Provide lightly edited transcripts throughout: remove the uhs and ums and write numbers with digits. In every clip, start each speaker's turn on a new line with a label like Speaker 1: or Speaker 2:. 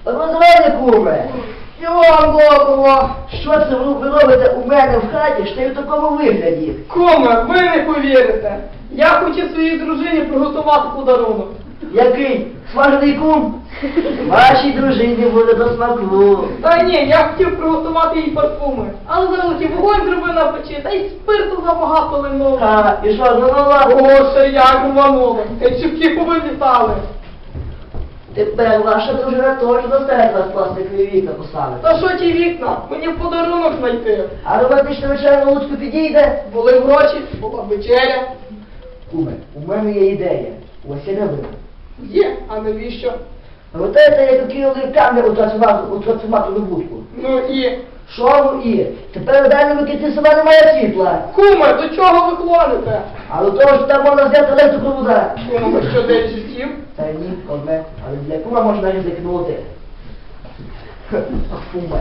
Speaker 1: Розвели, куме! І вам доброго! Що це ви робите у мене в хаті, що й в такому вигляді?
Speaker 2: Куме, ви не повірите. Я хотів своїй дружині приготувати подарунок.
Speaker 1: Який? Смажений кум? Вашій дружині буде до смаку.
Speaker 2: Та ні, я хотів приготувати їй парфуми. Але завеликий вогонь зробив на печі, та й спирту забагато линуло.
Speaker 1: А, і що, знову?
Speaker 2: О, ще як рвануло. Гайчуки повилітали.
Speaker 1: Тепер ваша дружина точно серед вас пластикові вікна поставить.
Speaker 2: Та що ті вікна? Мені подарунок знайти.
Speaker 1: А романтична вечеря на Луцьку підійде?
Speaker 2: Були гроші, була вечеря.
Speaker 1: Куме, у мене є ідея. Ось я не вина.
Speaker 2: Є, а навіщо?
Speaker 1: Пам'ятаєте, як кинули камеру у трансформаторну будку?
Speaker 2: Ну і...
Speaker 1: Що ну і? Тепер на дальньому кінці села немає світла.
Speaker 2: Куме, до чого ви клоните?
Speaker 1: А до того, що там можна взяти електропровода.
Speaker 2: Куме, ви що, день життів?
Speaker 1: Та ні, одне. Але для кума можна ризикнути. Ах, куме.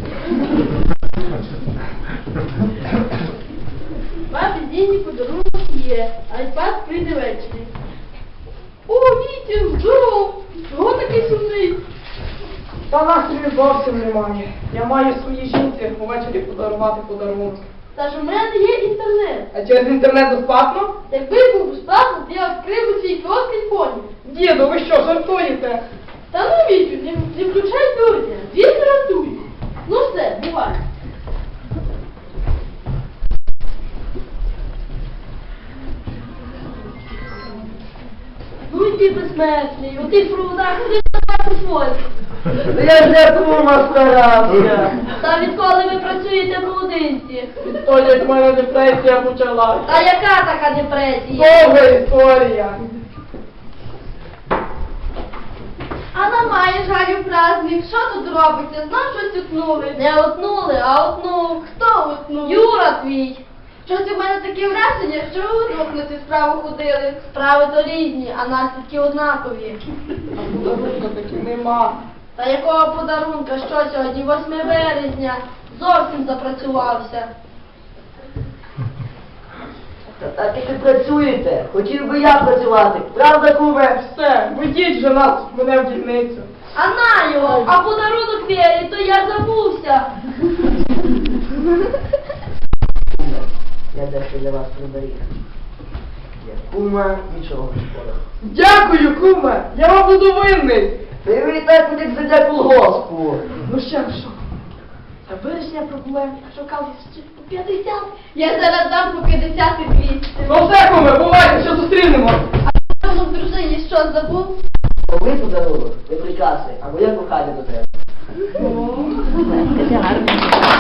Speaker 3: Папі Зіні подарунок є, айпад прийде ввечері. О, Вітя, здоров! Чого такий сумний?
Speaker 2: Та настрою зовсім немає. Я маю своїй жінці увечері подарувати подарунок.
Speaker 3: Та ж у мене є інтернет.
Speaker 2: А через інтернет безплатно?
Speaker 3: Якби був безплатно, то я відкрив би свій кіоск телефоні.
Speaker 2: Діду, ви що, жартуєте?
Speaker 3: Та ну, Вітю, не включай дурня, він рятує. Ну все, бувай. Ну і ти безсмертний, у тих проводах ходиш на свої.
Speaker 1: Я ж для кума старався.
Speaker 3: Та відколи ви працюєте проводинці?
Speaker 2: Відтоді, як в мене депресія почалась.
Speaker 3: Та яка така депресія?
Speaker 2: Довга історія.
Speaker 3: А нам маєш Галю праздник, що тут робиться? Знов щось утнули. Не утнули, а утнув. Хто утнув? Юра твій. Щось у мене таке враження, що ви удвох на цю справу ходили. Справи то різні, а наслідки однакові.
Speaker 2: А подарунка таки нема.
Speaker 3: Та якого подарунка? Що сьогодні? 8 березня. Зовсім запрацювався.
Speaker 1: Та так як ви працюєте, хотів би я працювати. Правда, куме?
Speaker 2: Все, ведіть же нас, мене в дільницю.
Speaker 3: А на його, а подарунок Вері, то я забувся.
Speaker 1: Куме, я дещо для вас приберіг. Я кума, нічого не шкода.
Speaker 2: Дякую, куме, я вам буду винний.
Speaker 1: Ти ви і так як зайде колгоспу.
Speaker 2: Ну ще що? Та вирішення проблем, я шукав ще по 50.
Speaker 3: Я зараз дам по 50 і 200.
Speaker 2: Ну все, куме, бувайте, що зустрінемо.
Speaker 3: А в дружині що забув?
Speaker 1: Ви подарунок, ви прикраси, або я кохання до тебе.
Speaker 3: О, гарно.